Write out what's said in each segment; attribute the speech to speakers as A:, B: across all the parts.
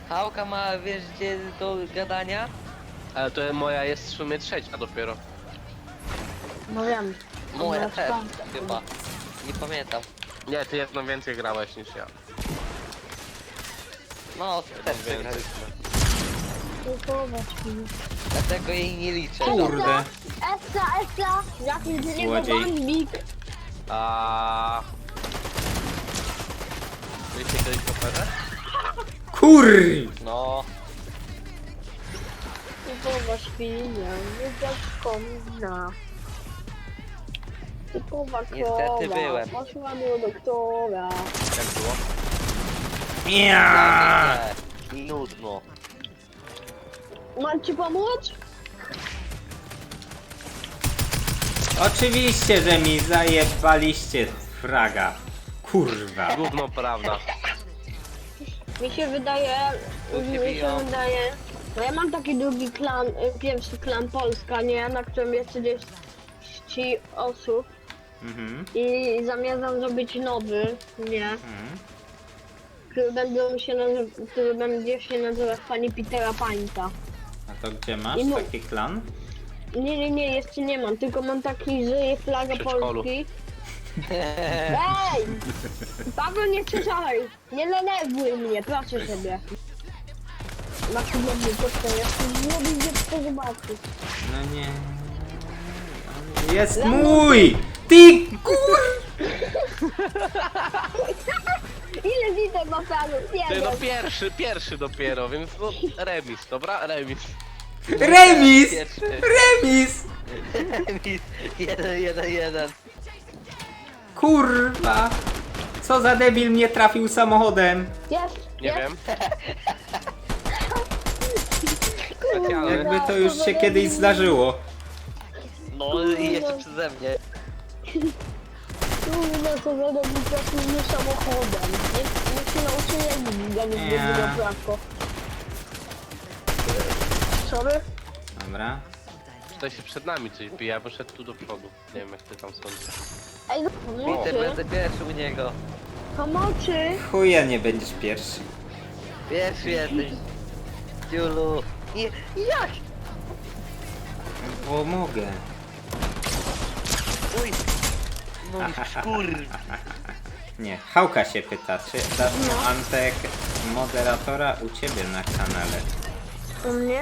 A: Hałka ma, wiesz gdzie do gadania?
B: Ale to moja jest w sumie trzecia dopiero.
C: No wiem.
A: Moja
C: Ona
A: też,
C: czwarta.
A: chyba. Nie pamiętam.
B: Nie, ty jedno więcej grałeś niż ja.
A: No, też
B: Więcej.
A: przegraliśmy.
C: Kupować mi.
A: Dlatego jej nie liczę.
D: Kurde.
C: Essa! Jaki z niego
D: Złodziej.
C: bambik.
B: A Byliście kiedyś w operze?
D: Kur...
A: No,
C: Kupować pieniądze za komina. Typowa
A: Niestety
C: krowa.
A: byłem.
C: Poszła do doktora.
B: Jak było?
D: Ja.
A: nie, nudno.
C: Mam ci pomóc?
D: Oczywiście, że mi zajebaliście fraga. Kurwa.
B: Gówno prawda.
C: Mi się wydaje, no ja mam taki drugi klan, pierwszy klan Polska, nie? Na którym jest 30 osób
D: Mhm.
C: i zamierzam zrobić nowy, nie? Który będzie się nazywać Pani Petera Pańta.
D: A to gdzie masz
C: I mu-
D: taki klan?
C: Nie, jeszcze nie mam, tylko mam taki, że jest flaga
B: Przedszkolu.
C: Polski. Ej! Paweł, nie krzyczaj! Nie denerwuj mnie, proszę sobie. Maksymalnie to jest, nie będzie to zobaczyć.
D: No nie. Jest mój! Ty kur...
C: Ile widzę ma Paweł? Nie
B: Ty no
C: wiem.
B: pierwszy dopiero, więc no remis, dobra? Remis.
D: Remis!
A: Pierwszy.
D: Remis!
A: Remis. 1-1-1.
D: Kurwa! Co za debil mnie trafił samochodem?
C: Jest,
B: Nie
C: jest.
B: wiem. Specjalny.
D: Jakby to już się kiedyś zdarzyło.
A: No i jeszcze przeze mnie.
C: Kurde, co za robi trafił samochodem. Niech się nauczy jeździć, zamiast
D: Nie.
C: jeździć na prawo. Sorry?
D: Dobra.
B: Tutaj się przed nami coś bije, ja poszedł tu do przodu. Nie wiem jak ty tam sądzisz.
C: Ej,
A: Peter,
C: pomocy,
A: będę pierwszy u niego.
C: pomocy.
D: Chuja nie będziesz pierwszy.
A: Pierwszy jesteś. Ciulu. Nie, jak?
D: Bo mogę.
A: Uj. No kur...
D: Nie, Hałka się pyta, czy dasz mu Antek moderatora u ciebie na kanale?
C: U mnie?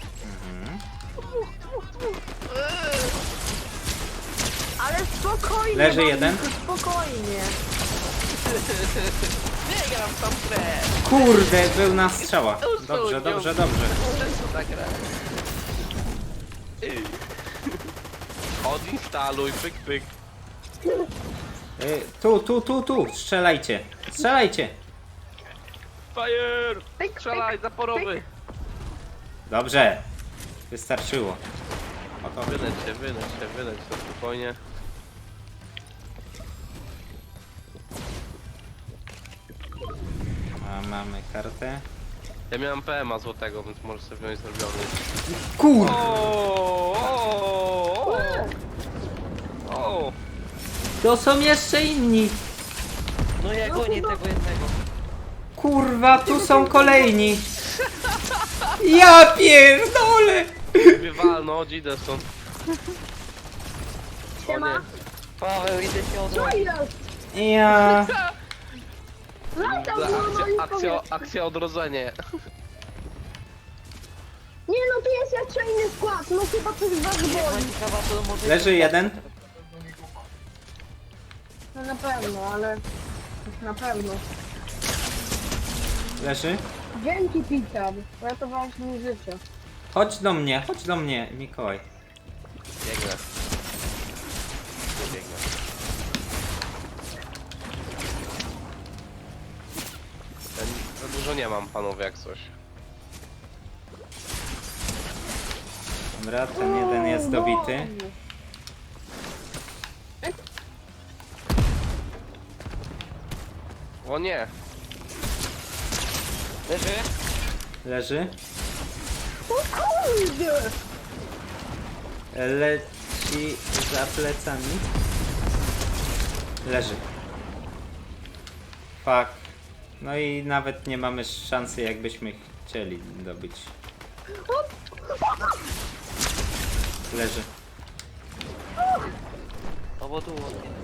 C: Ale spokojnie,
D: Leży
C: Bambiku,
D: jeden.
C: Spokojnie.
B: Nie gram tam grę!
D: Kurde, był na strzała. Dobrze, dobrze, dobrze.
B: Często tak gra. Odinstaluj, pyk pyk.
D: Tu, strzelajcie. Strzelajcie.
B: Fire!
C: Pyk,
B: Strzelaj, zaporowy!
D: Dobrze. Wystarczyło. Oto.
B: Wyleć się, spokojnie.
D: A mamy kartę.
B: Ja miałem PMA złotego, więc możesz sobie wziąć zrobiony.
D: Kur...
B: O!
D: To są jeszcze inni.
A: No ja gonię tego jednego.
D: Kurwa, tu są kolejni. Ja pierdolę.
B: Wywalno, idę stąd. O nie.
C: Siema.
A: Paweł, idę się
C: Co
A: odłożyć.
C: jest?
D: Ja...
C: Wracam
B: Za
C: do moich
B: akcja odrodzenie.
C: Nie no, tu jest jeszcze inny skład, no chyba coś was boli.
A: Ciekawa, to może...
D: Leży jeden.
C: No na pewno, ale... Na pewno.
D: Leży.
C: Dzięki Peter, uratowałeś mi życie.
D: Chodź do mnie, Mikołaj.
B: Biegnę. Biegnę. Ja za dużo nie mam, panowie, jak coś.
D: Dobra, ten jeden jest dobity.
B: O nie!
A: Leży?
D: Leży.
C: O kurde!
D: Leci za plecami. Leży. Fuck. No i nawet nie mamy szansy, jakbyśmy chcieli dobyć. Leży.
A: Albo tu.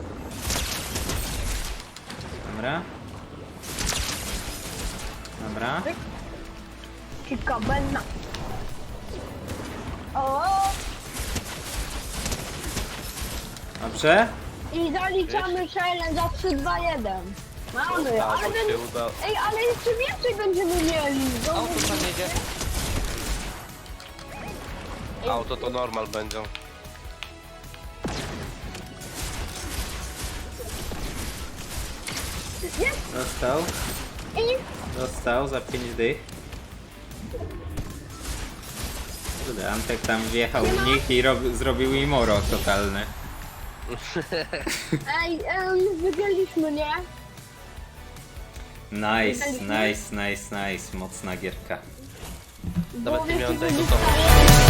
D: Dobra. Dobra.
C: Ciekawenna. O!
D: Dobrze.
C: I zaliczamy challenge za 3, 2, 1. Mamy,
B: Albo
C: ale
B: się
C: będzie...
B: uda.
C: Ej, ale jeszcze więcej będziemy mieli. No,
A: Auto tam jedzie.
B: Auto to normal będzie.
C: jest
D: Dostał.
C: i...
D: Dostał za 5 dych. Kurde, Antek tam wjechał w nich i zrobił im oro totalne.
C: Ej, wygraliśmy, nie?
D: Nice. Mocna gierka.
B: Nawet nie
C: Bo
B: miałem
C: wiecie,
B: tego
C: że
B: domu.
C: dostałem-